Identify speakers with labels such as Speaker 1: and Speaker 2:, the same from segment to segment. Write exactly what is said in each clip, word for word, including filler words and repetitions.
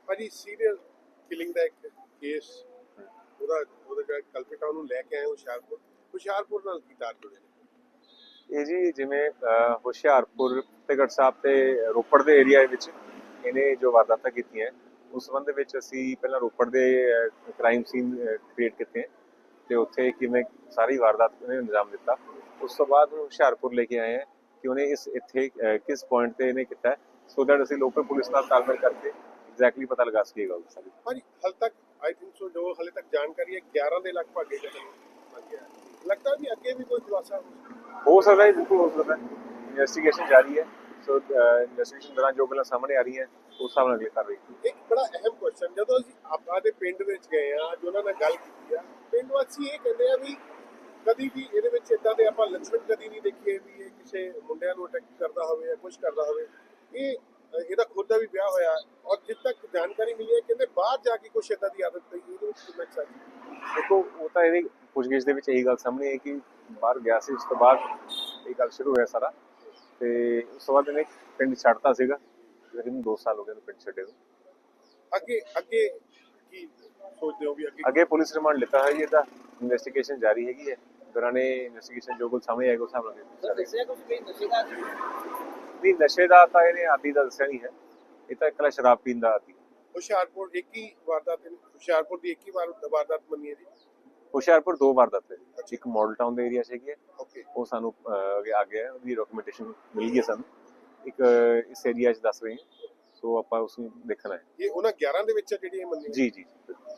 Speaker 1: ਭਾਜੀ serial killing ਦਾ ਇੱਕ case ਉਹਦਾ ਉਹਦਾ ਜਿਹੜਾ ਕਲਪਿਟ ਆ ਉਹਨੂੰ ਲੈ ਕੇ ਆਏ ਹੁਸ਼ਿਆਰਪੁਰ ਹੁਸ਼ਿਆਰਪੁਰ ਨਾਲ ਕੀ ਤਾਰ ਜੁੜੇ ਨੇ?
Speaker 2: ਇਹ ਜੀ ਜਿਵੇਂ ਅਹ, ਹੁਸ਼ਿਆਰਪੁਰ ਫਤਿਹਗੜ੍ਹ ਸਾਹਿਬ ਤੇ ਰੋਪੜ ਦੇ ਏਰੀਆ ਵਿੱਚ ਇਹਨੇ ਜੋ ਵਾਰਦਾਤਾਂ ਕੀਤੀਆਂ ਉਸ ਸੰਬੰਧ ਦੇ ਵਿੱਚ ਅਸੀਂ ਪਹਿਲਾਂ ਰੋਪੜ ਦੇ ਕ੍ਰਾਈਮ ਸੀਨ ਕ੍ਰੀਏਟ ਕੀਤੇ ਤੇ ਉੱਥੇ ਕਿਵੇਂ ਸਾਰੀ ਵਾਰਦਾਤ ਨੇ ਅੰਜਾਮ ਦਿੱਤਾ। ਉਸ ਤੋਂ ਬਾਅਦ ਹੁਸ਼ਿਆਰਪੁਰ ਲੈ ਕੇ ਆਏ ਹਾਂ ਕਿ ਉਹਨੇ ਇਸ ਇੱਥੇ ਅਹ, ਕਿਸ ਪੁਆਇੰਟ ਤੇ ਇਹਨੇ ਕੀਤਾ ਸੋ ਦੈਟ ਅਸੀਂ ਲੋਕਲ ਪੁਲਿਸ ਨਾਲ ਤਾਲਮੇਲ ਕਰਕੇ ਐਗਜ਼ੈਕਟਲੀ ਪਤਾ ਲਗਾ ਸਕੀਏ ਗੱਲ ਸਾਰੀ।
Speaker 1: ਭਾਜੀ ਹਾਲ ਤੱਕ ਆਈ ਥਿੰਕ ਸੋ ਜੋ ਹਾਲੇ ਤੱਕ ਜਾਣਕਾਰੀ ਹੈ ਗਿਆਰਾਂ ਦੇ ਲਗਭਗ ਇਹ ਕਤਲ ਬਣ ਗਿਆ ਹੈ। ਲੱਗਦਾ ਵੀ ਅੱਗੇ ਵੀ ਕੋਈ ਖੁਲਾਸਾ ਹੋ ਸਕਦਾ
Speaker 2: ਹੋ ਸਕਦਾ ਹੈ, ਬਿਲਕੁਲ ਹੋ ਸਕਦਾ ਹੈ। ਇਨਵੈਸਟੀਗੇਸ਼ਨ ਜਾਰੀ ਹੈ ਸੋ ਇਨਵੈਸਟੀਗੇਸ਼ਨ ਦੌਰਾਨ ਜੋ ਗੱਲਾਂ ਸਾਹਮਣੇ ਆ ਰਹੀਆਂ ਉਸ ਹਿਸਾਬ ਨਾਲ ਅਗਲੀ ਕਾਰਵਾਈ
Speaker 1: ਇੱਕ ਬੜਾ ਅਹਿਮ ਕੁਐਸਚਨ ਜਦੋਂ ਅਸੀਂ ਆਪਾਂ ਦੇ ਪਿੰਡ ਵਿੱਚ ਗਏ ਆ ਜੋ ਉਹਨਾਂ ਨਾਲ ਗੱਲ ਕੀਤੀ ਆ ਪਿੰਡ ਵਾਸੀ ਇਹ ਕਹਿੰਦੇ ਆ ਵੀ ਕਦੀ ਵੀ ਇਹਦੇ ਵਿੱਚ ਇਦਾਂ ਦੇ ਆਪਾਂ ਲੱਛਣ ਕਦੀ ਨਹੀਂ ਦੇਖੇ ਵੀ ਇਹ ਕਿਸੇ ਮੁੰਡਿਆਂ ਨੂੰ ਅਟੈਕ ਕਰਦਾ ਹੋਵੇ ਜਾਂ ਕੁਝ ਕਰਦਾ ਹੋਵੇ। ਇਹ ਇਹਦਾ ਖੁਦ ਦਾ ਵੀ ਵਿਆਹ ਹੋਇਆ ਔਰ ਜਿੱਦ ਤੱਕ ਜਾਣਕਾਰੀ ਮਿਲੀ ਹੈ ਕਹਿੰਦੇ ਬਾਹਰ ਜਾ ਕੇ ਕੁਛ ਇਦਾਂ ਦੀ ਆਦਤ ਪਈ ਇਹਦੇ ਵਿੱਚ ਕਿੰਨਾ ਸੱਚ
Speaker 2: ਦੇਖੋ ਉਹ ਤਾਂ ਇਹਦੀ ਪੁੱਛਗਿੱਛ ਦੇ ਵਿੱਚ ਇਹੀ ਗੱਲ ਸਾਹਮਣੇ ਹੈ ਕਿ ਬਾਹਰ ਗਿਆ ਸੀ ਉਸ ਤੋਂ ਬਾਅਦ ਇਹ ਗੱਲ ਸ਼ੁਰੂ ਹੋਇਆ ਸਾਰਾ ਤੇ ਉਸ ਤੋਂ ਬਾਅਦ ਇਹਨੇ ਪਿੰਡ ਛੱਡਤਾ ਸੀਗਾ ਲੇਕਿਨ ਦੋ ਸਾਲ ਹੋ ਗਏ ਉਹਨੂੰ ਪਿੰਡ ਛੱਡੇ ਨੂੰ।
Speaker 1: ਅੱਗੇ ਅੱਗੇ ਕੀ ਸੋਚਦੇ ਹੋ ਵੀ ਅੱਗੇ
Speaker 2: ਅੱਗੇ ਪੁਲਿਸ ਰਿਮਾਂਡ ਲਿੱਤਾ ਹੈ ਜੀ ਇਹਦਾ ਇਨਵੈਸਟੀਗੇਸ਼ਨ ਜਾਰੀ ਹੈਗੀ ਹੈ ਦੌਰਾਨੇ ਇਨਵੈਸਟੀਗੇਸ਼ਨ ਜੋ ਕੁਝ ਸਾਹਮਣੇ ਆਏਗਾ ਉਸ ਹਿਸਾਬ ਨਾਲ ਨਹੀਂ ਨਸ਼ੇ ਦਾ ਤਾਂ ਇਹਨੇ ਆਦੀ ਦਾ ਦੱਸਿਆ ਨਹੀਂ ਹੈ ਇਹ ਤਾਂ ਇਕੱਲਾ ਸ਼ਰਾਬ ਪੀਣ ਦਾ ਆਦੀ।
Speaker 1: ਹੁਸ਼ਿਆਰਪੁਰ ਇੱਕ ਹੀ ਵਾਰਦਾਤ ਹੁਸ਼ਿਆਰਪੁਰ ਦੀ ਇੱਕ ਹੀ ਵਾਰ ਵਾਰਦਾਤ ਮੰਨੀ ਹੈ ਜੀ।
Speaker 2: ਹੁਸ਼ਿਆਰਪੁਰ ਦੋ ਵਾਰਦਾਤ ਹੈ ਜੀ ਇੱਕ ਮਾਡਲ ਟਾਊਨ ਦੇ ਏਰੀਆ 'ਚ ਹੈਗੀ ਹੈ
Speaker 1: ਓਕੇ
Speaker 2: ਉਹ ਸਾਨੂੰ ਅੱਗੇ ਆ ਗਿਆ ਉਹਦੀ ਡਾਕੂਮੈਂਟੇਸ਼ਨ ਮਿਲ ਗਈ ਹੈ ਸਾਨੂੰ ਇੱਕ ਇਸ ਏਰੀਆ 'ਚ ਦੱਸ ਰਹੇ ਹਾਂ ਸੋ ਆਪਾਂ ਉਸ ਨੂੰ ਦੇਖਣਾ ਹੈ।
Speaker 1: ਇਹ ਉਹਨਾਂ ਗਿਆਰਾਂ ਦੇ ਵਿੱਚ ਜਿਹੜੀ ਇਹ ਮੰਨੀ
Speaker 2: ਜੀ ਜੀ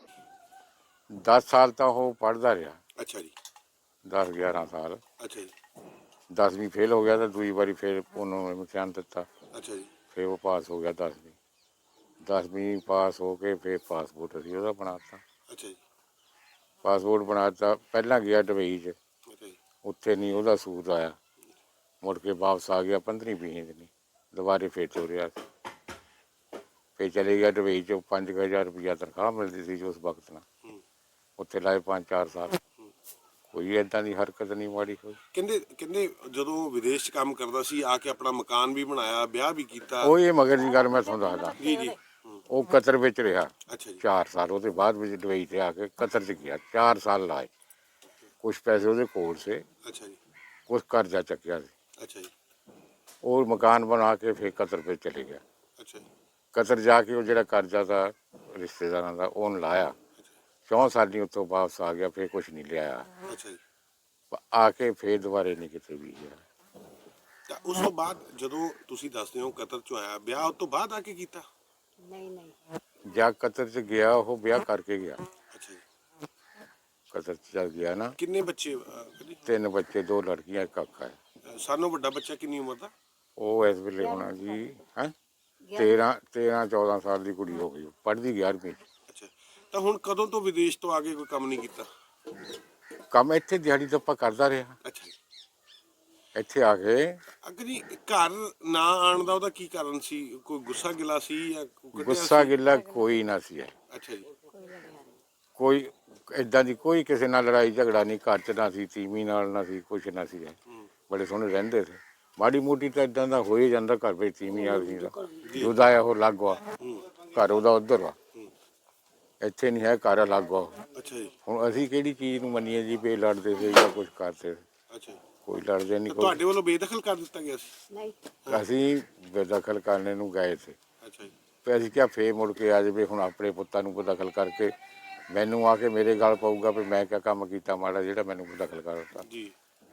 Speaker 3: ਦਸ ਸਾਲ ਤਾਂ ਉਹ ਪੜ੍ਹਦਾ ਰਿਹਾ।
Speaker 1: ਅੱਛਾ ਜੀ
Speaker 3: ਦਸ ਗਿਆਰਾਂ ਸਾਲ
Speaker 1: ਅੱਛਾ ਜੀ
Speaker 3: ਦਸਵੀਂ ਫੇਲ ਹੋ ਗਿਆ ਤਾਂ ਦੂਜੀ ਵਾਰੀ ਫਿਰ ਉਹਨੂੰ ਇਮਤਿਹਾਨ ਦਿੱਤਾ
Speaker 1: ਅੱਛਾ ਜੀ
Speaker 3: ਫਿਰ ਉਹ ਪਾਸ ਹੋ ਗਿਆ ਦਸਵੀਂ ਦਸਵੀਂ ਪਾਸ ਹੋ ਕੇ ਫਿਰ ਪਾਸਪੋਰਟ ਅਸੀਂ ਉਹਦਾ ਬਣਾਤਾ
Speaker 1: ਅੱਛਾ ਜੀ
Speaker 3: ਪਾਸਪੋਰਟ ਬਣਾਤਾ ਪਹਿਲਾਂ ਗਿਆ ਦੁਬਈ 'ਚ
Speaker 1: ਅੱਛਾ ਜੀ
Speaker 3: ਉੱਥੇ ਨਹੀਂ ਉਹਦਾ ਸੂਟ ਆਇਆ ਮੁੜ ਕੇ ਵਾਪਸ ਆ ਗਿਆ ਪੰਦਰਵੀਂ ਵੀਹ ਦਿਨ ਦੁਬਾਰੇ ਫਿਰ ਤੋਰਿਆ ਫਿਰ ਚਲੇ ਗਿਆ ਦੁਬਈ 'ਚ ਪੰਜ ਕੁ ਹਜ਼ਾਰ ਰੁਪਈਆ ਤਨਖਾਹ ਮਿਲਦੀ ਸੀ ਉਸ ਵਕਤ ਨਾਲ ਉੱਥੇ ਲਾਏ ਪੰਜ ਚਾਰ ਸਾਲ ਕੋਈ ਏਦਾਂ ਦੀ ਹਰਕਤ ਨਹੀਂ ਮਾੜੀ ਹੋਈ।
Speaker 1: ਕਹਿੰਦੇ ਕਹਿੰਦੇ ਜਦੋਂ ਵਿਦੇਸ਼ 'ਚ ਕੰਮ ਕਰਦਾ ਸੀ ਆ ਕੇ ਆਪਣਾ ਮਕਾਨ ਵੀ ਬਣਾਇਆ ਵਿਆਹ ਵੀ ਕੀਤਾ।
Speaker 3: ਉਹ ਇਹ ਮਗਰ ਦੀ ਗੱਲ ਮੈਂ ਤੁਹਾਨੂੰ ਦੱਸਦਾ
Speaker 1: ਜੀ ਜੀ
Speaker 3: ਉਹ ਕਤਰ ਵਿੱਚ ਰਿਹਾ
Speaker 1: ਅੱਛਾ ਜੀ
Speaker 3: ਚਾਰ ਸਾਲ ਉਹਦੇ ਬਾਅਦ ਵਿੱਚ ਦੁਬਈ ਤੇ ਆ ਕੇ ਕਤਰ 'ਚ ਗਿਆ ਚਾਰ ਸਾਲ ਲਾਏ ਕੁਛ ਪੈਸੇ ਉਹਦੇ ਕੋਲ ਸੇ
Speaker 1: ਅੱਛਾ ਜੀ
Speaker 3: ਕੁਛ ਕਰਜ਼ਾ ਚੱਕਿਆ ਸੀ
Speaker 1: ਅੱਛਾ ਜੀ
Speaker 3: ਉਹ ਮਕਾਨ ਬਣਾ ਕੇ ਫਿਰ ਕਤਰ ਵਿੱਚ ਚਲੇ ਗਿਆ।
Speaker 1: ਅੱਛਾ ਜੀ
Speaker 3: ਕਤਰ ਜਾ ਕੇ ਉਹ ਜਿਹੜਾ ਕਰਜ਼ਾ ਦਾ ਰਿਸ਼ਤੇਦਾਰਾਂ ਦਾ ਉਹਨੂੰ ਲਾਇਆ ਚੌਂ ਸਾਲੀ ਉੱਥੋਂ ਵਾਪਸ ਆ ਗਿਆ ਫਿਰ ਕੁਛ ਨਹੀਂ ਲਿਆਇਆ
Speaker 1: ਅੱਛਾ ਜੀ
Speaker 3: ਆ ਕੇ ਫਿਰ ਦੁਬਾਰੇ ਨਹੀਂ ਕਿਤੇ ਵੀ ਗਿਆ।
Speaker 1: ਤਾਂ ਉਸ ਤੋਂ ਬਾਅਦ ਜਦੋਂ ਤੁਸੀਂ ਦੱਸਦੇ ਹੋ ਕਤਰ 'ਚੋਂ ਆਇਆ ਵਿਆਹ ਉਸ ਤੋਂ ਬਾਅਦ ਆ ਕੇ ਕੀਤਾ।
Speaker 4: ਨਹੀਂ ਨਹੀਂ
Speaker 3: ਜਾਂ ਕਤਰ 'ਚ ਗਿਆ ਉਹ ਵਿਆਹ ਕਰਕੇ ਗਿਆ
Speaker 1: ਅੱਛਾ ਜੀ
Speaker 3: ਕਤਰ 'ਚ ਚੱਲ ਗਿਆ ਨਾ
Speaker 1: ਕਿੰਨੇ ਬੱਚੇ ਅਹ, ਕਦੀ?
Speaker 3: ਤਿੰਨ ਬੱਚੇ ਦੋ ਲੜਕੀਆਂ ਇੱਕ ਕਾਕਾ ਹੈ
Speaker 1: ਅਹ, ਸਾਨੋਂ ਵੱਡਾ ਬੱਚਾ ਕਿੰਨੀ ਉਮਰ ਦਾ?
Speaker 3: ਉਹ ਇਸ ਵੇਲੇ ਹੋਣਾ ਜੀ ਹੈ ਤੇਰਾਂ ਤੇਰਾਂ ਚੌਦਾਂ ਸਾਲ ਦੀ ਕੁੜੀ ਹੋ ਗਈ ਪੜ੍ਹਦੀ ਗਿਆਰਵੀਂ
Speaker 1: ਅੱਛਾ ਤਾਂ ਹੁਣ ਕਦੋਂ ਤੋਂ ਵਿਦੇਸ਼ ਤੋਂ ਆ ਕੇ ਕੋਈ ਕੰਮ ਨਹੀਂ ਕੀਤਾ?
Speaker 3: ਕੰਮ ਇੱਥੇ ਦਿਹਾੜੀ ਦੱਪਾ ਕਰਦਾ ਰਿਹਾ
Speaker 1: ਅੱਛਾ ਜੀ
Speaker 3: ਇੱਥੇ ਆ ਕੇ
Speaker 1: ਅੱਗੇ ਜੀ ਘਰ ਨਾ ਆਉਣ ਦਾ ਉਹਦਾ ਕੀ ਕਾਰਨ ਸੀ ਕੋਈ ਗੁੱਸਾ ਗਿਲਾ ਸੀ ਜਾਂ ਕੋਈ ਕੱਢਿਆ
Speaker 3: ਗੁੱਸਾ
Speaker 1: ਸੀ?
Speaker 3: ਗਿੱਲਾ ਕੋਈ ਨਾ ਸੀ
Speaker 1: ਅੱਛਾ ਜੀ
Speaker 3: ਕੋਈ ਏਦਾਂ ਦੀ ਕੋਈ ਕਿਸੇ ਨਾਲ ਲੜਾਈ ਝਗੜਾ ਨਹੀਂ ਘਰ 'ਚ ਨਾ ਸੀ ਤੀਵੀਂ ਨਾਲ ਨਾ ਸੀ ਕੁਛ ਨਾ ਸੀ ਬੜੇ ਸੋਹਣੇ ਰਹਿੰਦੇ ਸੀ ਮਾੜੀ ਮੋਟੀ ਤਾਂ ਏਦਾਂ ਦਾ ਹੋ ਹੀ ਜਾਂਦਾ ਘਰ ਵਿੱਚ ਤੀਵੀਂ ਆ ਸੀ ਜੁਦਾ ਆ ਉਹ ਅਲੱਗ ਆ ਘਰ ਉਹਦਾ ਉੱਧਰ ਆ ਇੱਥੇ ਨਹੀਂ ਹੈ ਘਰ ਅਲੱਗ ਆ
Speaker 1: ਅੱਛਾ ਜੀ
Speaker 3: ਹੁਣ ਅਸੀਂ ਕਿਹੜੀ ਚੀਜ਼ ਨੂੰ ਮੰਨੀਏ ਜੀ ਵੀ ਲੜਦੇ ਸੀ ਜਾਂ ਕੁਛ ਕਰਦੇ ਸੀ
Speaker 1: ਅੱਛਾ ਜੀ
Speaker 3: ਕੋਈ ਲੜਦੇ ਨਹੀਂ
Speaker 1: ਤਾਂ
Speaker 3: ਕੋਈ
Speaker 1: ਤੁਹਾਡੇ ਵੱਲੋਂ ਬੇਦਖਲ ਕਰ ਦਿੱਤਾ ਗਿਆ ਸੀ?
Speaker 4: ਨਹੀਂ
Speaker 3: ਅਸੀਂ ਬੇਦਖਲ ਕਰਨੇ ਨੂੰ ਗਏ ਸੀ
Speaker 1: ਅੱਛਾ ਜੀ
Speaker 3: ਤੇ ਅਸੀਂ ਕਿਹਾ ਫੇਰ ਮੁੜ ਕੇ ਆ ਜਾਵੇ ਹੁਣ ਆਪਣੇ ਪੁੱਤਾਂ ਨੂੰ ਬੇਦਖਲ ਕਰਕੇ ਮੈਨੂੰ ਆ ਕੇ ਮੇਰੇ ਗੱਲ ਪਊਗਾ ਵੀ ਮੈਂ ਕਿਆ ਕੰਮ ਕੀਤਾ ਮਾੜਾ ਜਿਹੜਾ ਮੈਨੂੰ ਬੇਦਖਲ ਕਰ ਦਿੱਤਾ
Speaker 1: ਜੀ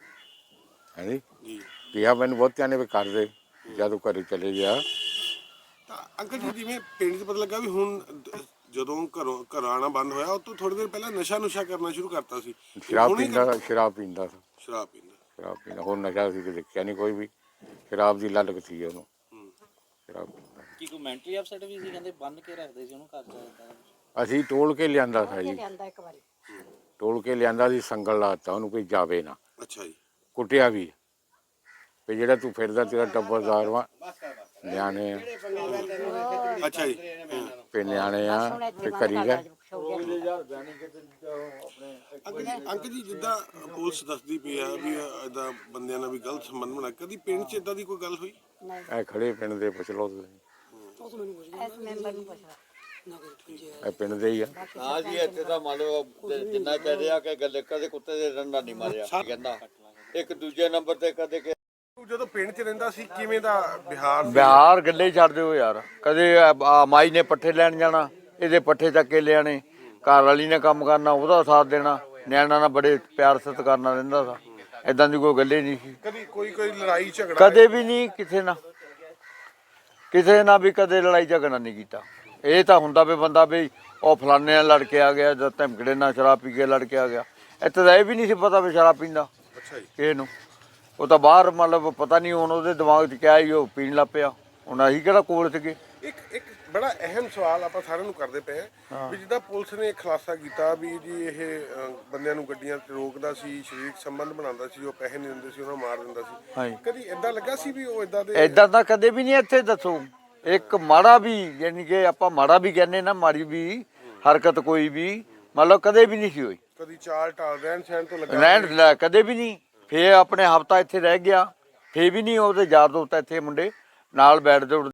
Speaker 3: ਹੈ ਜੀ
Speaker 1: ਜੀ
Speaker 3: ਕਿਹਾ ਮੈਨੂੰ ਬਹੁਤਿਆਂ ਨੇ ਵੀ ਕਰ ਦੇ ਜਦੋਂ ਘਰੇ ਚਲੇ ਗਿਆ
Speaker 1: ਤਾਂ ਅੰਕਲ ਜੀ ਜਿਵੇਂ ਪਿੰਡ 'ਚ ਪਤਾ ਲੱਗਾ ਵੀ ਹੁਣ ਦ- ਜਦੋਂ ਘਰੋਂ ਘਰ ਆਉਣਾ ਬੰਦ ਹੋਇਆ ਉਹ ਤੋਂ ਥੋੜੀ ਦੇਰ ਪਹਿਲਾਂ ਨਸ਼ਾ ਨੁਸ਼ਾ ਕਰਨਾ ਸ਼ੁਰੂ ਕਰਤਾ ਸੀ ਤੇ
Speaker 3: ਸ਼ਰਾਬ
Speaker 1: ਹੁਣ ਹੀ
Speaker 3: ਪੀਂਦਾ
Speaker 1: ਕਰ-
Speaker 3: ਸ਼ਰਾਬ ਪੀਂਦਾ ਸੀ
Speaker 1: ਸ਼ਰਾਬ ਪੀਂਦਾ
Speaker 3: ਸ਼ਰਾਬ ਪੀਂਦਾ ਹੋਰ ਨਸ਼ਾ ਸੀ ਕਿ ਦੇਖਿਆ ਨਹੀਂ ਕੋਈ ਵੀ ਸ਼ਰਾਬ ਦੀ ਲਲਕ ਸੀ ਉਹਨੂੰ
Speaker 1: ਹੂੰ।
Speaker 3: ਸ਼ਰਾਬ ਪੀਂਦਾ
Speaker 5: ਕੀ ਕੋਈ ਮੈਂਟਲੀ ਅਪਸੈਟ ਵੀ ਸੀ ਕਹਿੰਦੇ ਬੰਨ ਕੇ ਰੱਖਦੇ ਸੀ ਉਹਨੂੰ ਘਰ ਚ ਏਦਾਂ?
Speaker 3: ਅਸੀਂ ਟੋਲ ਕੇ ਲਿਆਂਦਾ ਸੀ ਜੀ
Speaker 4: ਲਿਆਂਦਾ ਇੱਕ ਵਾਰੀ
Speaker 3: ਟੋਲ ਕੇ ਲਿਆਂਦਾ ਸੀ ਸੰਗਲ ਲਾਤਾ ਉਹਨੂੰ ਕੋਈ ਜਾਵੇ ਨਾ
Speaker 1: ਅੱਛਾ ਜੀ
Speaker 3: ਕੁੱਟਿਆ ਵੀ ਵੀ ਜਿਹੜਾ ਤੂੰ ਫਿਰਦਾ ਤੇਰਾ ਟੱਬਰਦਾਰ ਵਾ ਨਿਆਣੇ ਆ
Speaker 1: ਅੱਛਾ ਜੀ
Speaker 3: ਤੇ ਨਿਆਣੇ ਆ ਤੇ ਕਰੀ ਗਏ
Speaker 1: ਅੰਕਲ ਜੀ ਅੰਕਲ ਜੀ ਜਿੱਦਾਂ ਪੁਲਿਸ ਦੱਸਦੀ ਪਈ ਆ ਵੀ ਇਦਾਂ ਬੰਦਿਆਂ ਨਾਲ ਵੀ ਗਲਤ ਸੰਬੰਧ ਬਣਾ ਕਦੀ ਪਿੰਡ 'ਚ ਇਦਾਂ ਦੀ ਕੋਈ ਗੱਲ ਹੋਈ?
Speaker 4: ਨਹੀਂ
Speaker 3: ਇਹ ਖੜੇ ਪਿੰਡ ਦੇ ਪੁੱਛ ਲਓ ਤੁਸੀਂ
Speaker 4: ਇਸ ਮੈਂਬਰ ਨੂੰ ਪੁੱਛ ਲੈ
Speaker 3: ਇਹ ਪਿੰਡ ਦੇ ਹੀ ਆ।
Speaker 6: ਹਾਂ ਜੀ ਇੱਥੇ ਤਾਂ ਮੰਨ ਲਓ ਜ- ਜਿੰਨਾ ਕਹਿ ਰਿਹਾ ਕਿ ਗੱਲ ਕਦੇ ਕੁੱਤੇ ਦੇ ਡੰਡਾ ਨਹੀਂ ਮਾਰਿਆ ਕਹਿੰਦਾ ਇੱਕ ਦੂਜੇ ਨੰਬਰ ਤੇ ਕਦੇ ਕਿ
Speaker 1: ਜਦੋਂ ਪਿੰਡ 'ਚ ਰਹਿੰਦਾ ਸੀ ਕਿਵੇਂ ਦਾ ਬਿਹਾਰ ਸੀ?
Speaker 7: ਬਿਹਾਰ ਗੱਲੇ ਹੀ ਛੱਡ ਦਿਓ ਯਾਰ। ਕਦੇ ਆ ਮਾਈ ਨੇ ਪੱਠੇ ਲੈਣ ਜਾਣਾ, ਇਹਦੇ ਪੱਠੇ ਚੱਕ ਕੇ ਲਿਆਣੇ, ਘਰ ਵਾਲੀ ਨੇ ਕੰਮ ਕਰਨਾ, ਉਹਦਾ ਸਾਥ ਦੇਣਾ, ਨਿਆਣਾ ਨਾਲ ਬੜੇ ਪਿਆਰ ਸਤਿਕਾਰ ਨਾਲ ਰਹਿੰਦਾ ਸੀ। ਇਦਾਂ ਦੀ ਕੋਈ ਗੱਲ ਹੀ ਨਹੀਂ ਸੀ
Speaker 1: ਕਦੀ ਕੋਈ ਕੋਈ ਲੜਾਈ ਝਗੜਾ
Speaker 7: ਕਦੇ ਵੀ ਨਹੀਂ ਕਿਸੇ ਨਾਲ, ਕਿਸੇ ਨਾਲ ਵੀ ਕਦੇ ਲੜਾਈ ਝਗੜਾ ਨਹੀਂ ਕੀਤਾ। ਇਹ ਤਾਂ ਹੁੰਦਾ ਵੀ ਬੰਦਾ ਵੀ ਉਹ ਫਲਾਣੇ ਨਾਲ ਲੜ ਕੇ ਆ ਗਿਆ ਜਾਂ ਧਮਕੜੇ ਨਾਲ ਸ਼ਰਾਬ ਪੀ ਕੇ ਲੜ ਕੇ ਆ ਗਿਆ। ਇੱਥੇ ਤਾਂ ਇਹ ਵੀ ਨਹੀਂ ਸੀ ਪਤਾ ਵੀ ਸ਼ਰਾਬ ਪੀਂਦਾ
Speaker 1: ਅੱਛਾ ਜੀ।
Speaker 7: ਕਿਸੇ ਨੂੰ। ਉਹ ਤਾਂ ਬਾਹਰ ਮਤਲਬ ਪਤਾ ਨਹੀਂ ਹੁਣ ਉਹਦੇ ਦਿਮਾਗ 'ਚ ਕਿਆ ਹੀ ਉਹ ਪੀਣ ਲੱਗ ਪਿਆ। ਹੁਣ ਅਸੀਂ ਕਿਹੜਾ ਕੋਲ ਸੀਗੇ।
Speaker 1: ਇੱਕ ਇੱਕ ਬੜਾ ਅਹਿਮ ਸਵਾਲ ਆਪਾਂ ਸਾਰਿਆਂ ਨੂੰ ਕਰਦੇ ਪਏ ਹਾਂ ਵੀ ਜਿੱਦਾਂ ਪੁਲਿਸ ਨੇ ਖੁਲਾਸਾ ਕੀਤਾ ਵੀ ਜੀ ਇਹ ਅਹ, ਬੰਦਿਆਂ ਨੂੰ ਗੱਡੀਆਂ ਤੇ ਰੋਕਦਾ ਸੀ, ਸਰੀਰਕ ਸੰਬੰਧ ਬਣਾਉਂਦਾ ਸੀ, ਉਹ ਪੈਸੇ ਨਹੀਂ ਦਿੰਦੇ ਸੀ ਉਹਨਾਂ ਨੂੰ ਮਾਰ ਦਿੰਦਾ ਸੀ।
Speaker 7: ਹਾਂਜੀ।
Speaker 1: ਕਦੀ ਏਦਾਂ ਲੱਗਾ ਸੀ ਵੀ ਉਹ ਏਦਾਂ ਦੇ
Speaker 7: ਏਦਾਂ ਤਾਂ ਕਦੇ ਵੀ ਨਹੀਂ ਇੱਥੇ ਦੱਸੋ। ਇੱਕ ਮਾੜਾ ਵੀ ਯਾਨੀ ਕਿ ਆਪਾਂ ਮਾੜਾ ਵੀ ਕਹਿੰਦੇ ਨਾ, ਮਾੜੀ ਵੀ ਹਰਕਤ ਕੋਈ ਵੀ ਮਤਲਬ ਕਦੇ ਵੀ ਨਹੀਂ ਸੀ ਹੋਈ।
Speaker 1: ਕਦੀ ਚਾਲ ਟਾਲ ਰਹਿਣ ਸਹਿਣ ਤੋਂ ਲੱਗਾ
Speaker 7: ਰਹਿਣ ਲੈ ਕਦੇ ਵੀ ਨਹੀਂ। ਫੇਰ ਆਪਣੇ ਹਫਤਾ ਇੱਥੇ ਰਹਿ ਗਿਆ, ਫੇਰ ਵੀ ਨਹੀਂ ਉਹਦੇ ਯਾਰ ਦੋਸਤ ਇੱਥੇ ਮੁੰਡੇ ਨਾਲ ਬੈਠਦੇ ਉੱਠਦੇ